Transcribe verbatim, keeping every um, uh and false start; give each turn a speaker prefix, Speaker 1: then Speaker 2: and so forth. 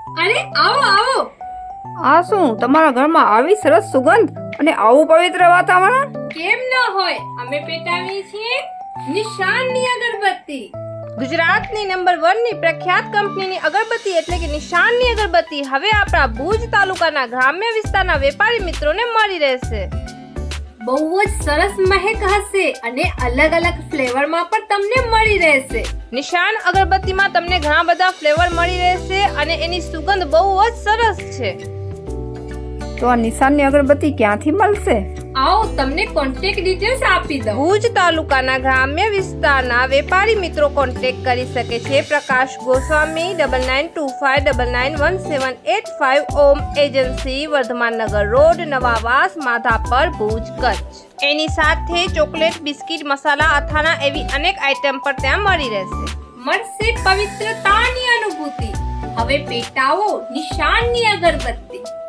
Speaker 1: અરે આવો આવો.
Speaker 2: આ શું તમારા ઘરમાં આવી સરસ સુગંધ અને આવું પવિત્ર વાતાવરણ?
Speaker 1: કેમ ન હોય, અમે પેટાવીએ છીએ નિશાનની અગરબત્તી.
Speaker 3: ગુજરાતની નંબર વન ની પ્રખ્યાત કંપનીની અગરબત્તી એટલે કે નિશાનની અગરબત્તી હવે આપણા ભુજ તાલુકાના ગ્રામ્ય વિસ્તારના વેપારી મિત્રોને મળી રહેશે.
Speaker 1: બહુ જ સરસ મહેક હશે અને અલગ અલગ ફ્લેવરમાં પણ તમને મળી રહેશે.
Speaker 3: નિશાન અગરબત્તીમાં તમને ઘણા બધા ફ્લેવર મળી રહેશે અને એની સુગંધ બહુ જ સરસ છે.
Speaker 2: તો આ નિશાનની અગરબત્તી ક્યાંથી મળશે?
Speaker 1: આવો તમને કોન્ટેક્ટ ડિટેલ્સ આપી દઉં.
Speaker 3: ભુજ તાલુકાના ગ્રામ્ય વિસ્તારના વેપારી મિત્રો કોન્ટેક્ટ કરી શકે છે Prakash Goswami double nine two five double nine one seven eight five Om agency Vardhaman Nagar road Navavas Madhapar Bhuj Kutch. એની સાથે ચોકલેટ બિસ્કિટ મસાલા અથાણા એવી અનેક આઇટમ પણ ત્યાં મળી રહેશે.
Speaker 1: મળશે પવિત્રતાની અનુભૂતિ. હવે પેટાવો નિશાનની અગરબત્તી.